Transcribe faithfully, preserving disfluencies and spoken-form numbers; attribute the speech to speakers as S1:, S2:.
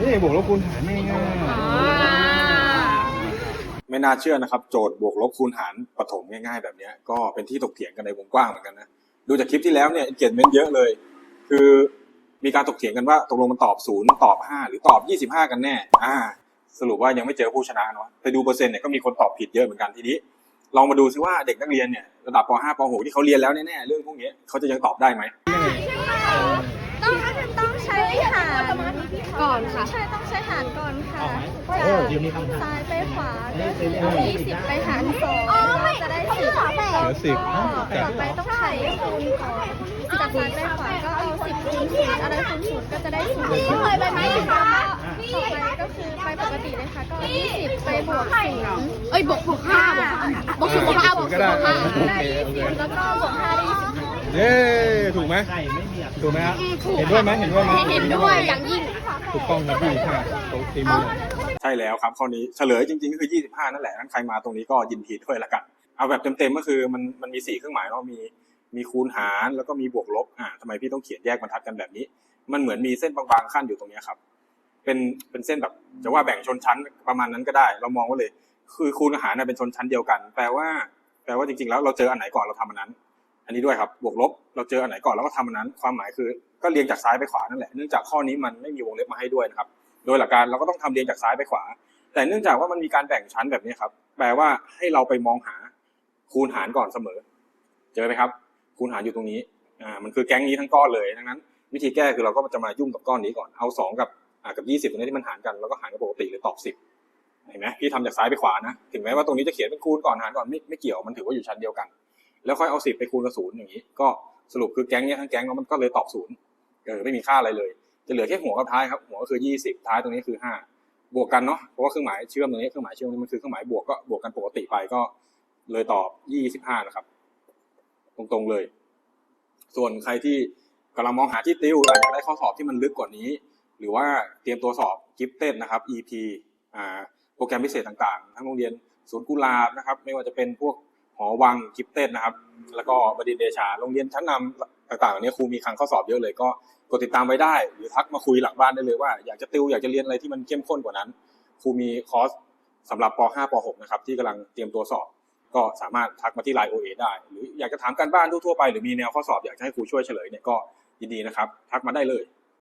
S1: บวกลบคูณหารง่ายๆไม่น่าเชื่อนะครับโจทย์บวกลบคูณหารประถมง่ายๆแบบนี้ก็เป็นที่ถกเถียงกันในวงกว้างเหมือนกันนะดูจากคลิปที่แล้วเนี่ย engagement เยอะเลยคือมีการถกเถียงกันว่าตกลงมันตอบศูนย์ตอบห้าหรือตอบยี่สิบห้ากันแน่อ่าสรุปว่ายังไม่เจอผู้ชนะเนาะไปดูเปอร์เซ็นต์เนี่ยก็มีคนตอบผิดเยอะเหมือนกันทีนี้ลองมาดูซิว่าเด็กนักเรียนเนี่ยระดับป .ห้า ป .หก ที่เขาเรียนแล้วแน่ๆเรื่องพวกนี้เขาจะยังตอบได้ไหม
S2: ต้องต้องใช้หารก่อนค่ะใช่ต้องใช้หารก่อนค่ะจากซ้ายไปขวาก็คือเอายี่สิบไปหารสองจะได้สิบ
S1: สิบ
S2: ต่อไปต้องใช้คูณก่อนจากซ้ายไปขวาก็เอาสิบคูณศูนย์อะไรคูณศูนย์ก็จะได้ศูนย์เคยไปไหมคะต่อไปก็คือไปปกติเลยค่ะก็ยี่สิบไปบวกศูนย์เอ้ยบวกบวกห้าบวกศูนย์บวกห้าบวกศูนย์บวกห้าได้ยี่สิบแล้วก็บวกห้าได้ยี่สิบ
S1: เย้ถูกไหมถูกไหมครับเห็นด้วยไหมเห็นด้วยไหม
S2: เห็นด้วยอย่างยิ่ง
S1: ถูกต้องครับยี่สิบห้าตรงทีมใช่แล้วครับข้อนี้เฉลยจริงๆก็คือยี่สิบห้านั่นแหละงั้นใครมาตรงนี้ก็ยินดีด้วยละกันเอาแบบเต็มๆก็คือมันมันมีสี่เครื่องหมายเนาะมีมีคูณหารแล้วก็มีบวกลบอ่าทำไมพี่ต้องเขียนแยกบรรทัดกันแบบนี้มันเหมือนมีเส้นบางๆขั้นอยู่ตรงนี้ครับเป็นเป็นเส้นแบบจะว่าแบ่งชนชั้นประมาณนั้นก็ได้เรามองว่าเลยคือคูณหารเป็นชนชั้นเดียวกันแปลว่าแปลว่าจริงๆแล้วเราเจออันไหนก่อนเราทำอันนั้นอันนี้ด้วยครับบวกลบเราเจออันไหนก่อนเราก็ทำอันนั้นความหมายคือก็เรียงจากซ้ายไปขวานั่นแหละเนื่องจากข้อนี้มันไม่มีวงเล็บมาให้ด้วยนะครับโดยหลักการเราก็ต้องทำเรียงจากซ้ายไปขวาแต่เนื่องจากว่ามันมีการแบ่งชั้นแบบนี้ครับแปลว่าให้เราไปมองหาคูณหารก่อนเสมอเจอไหมครับคูณหารอยู่ตรงนี้อ่ามันคือแก๊งนี้ทั้งก้อนเลยดังนั้นวิธีแก้คือเราก็จะมายุ่งกับก้อนนี้ก่อนเอาสองกับอ่ากับยี่สิบตรงนี้ที่มันหารกันแล้วก็หารกับปกติหรือตอบสิบเห็นไหมพี่ทำจากซ้ายไปขวานะถึงแม้ว่าตรงนี้จะเขียนเป็นคูณก่อนหารก่อนไม่ไม่เกี่ยวมันถือว่าอยู่ชั้นเดียวกันแล้วค่อยเอาสิบไปคูณกับศูนย์อย่างนี้ก็สรุปคือแก๊งนี้ทั้งแก๊งมันก็เลยตอบศูนย์เออไม่มีค่าอะไรเลยจะเหลือแค่หัวกับท้ายครับหัวก็คือยี่สิบท้ายตรงนี้คือห้าบวกกันเนาะเพราะว่าเครื่องหมายเชื่อมตรงนี้เครื่องหมายเชื่อมนี้มันคือเครื่องหมายบวกก็บวกกันปกติไปก็เลยตอบยี่สิบห้านะครับตรงๆเลยส่วนใครที่กำลังมองหาที่ติวอยากได้ข้อสอบที่มันลึกกว่านี้หรือว่าเตรียมตัวสอบกิฟเต็ดนะครับ อี พี อ่าโปรแกรมพิเศษต่างๆทั้งโรงเรียนศูนย์กุหลาบนะครับไม่ว่าจะเป็นพวกหอวังกิฟเต็ดนะครับแล้วก็บดินทร์เดชาโรงเรียนชั้นนำต่างๆเหล่านี้ครูมีคลังข้อสอบเยอะเลยก็กดติดตามไว้ได้หรือทักมาคุยหลังบ้านได้เลยว่าอยากจะติวอยากจะเรียนอะไรที่มันเข้มข้นกว่านั้นครูมีคอร์สสำหรับป .ห้า ป .หก นะครับที่กำลังเตรียมตัวสอบก็สามารถทักมาที่ ไลน์ โอ เอ ได้หรืออยากจะถามการบ้านทั่วๆไปหรือมีแนวข้อสอบอยากจะให้ครูช่วยเฉลยเนี่ยก็ยินดีนะครับทักมาได้เลย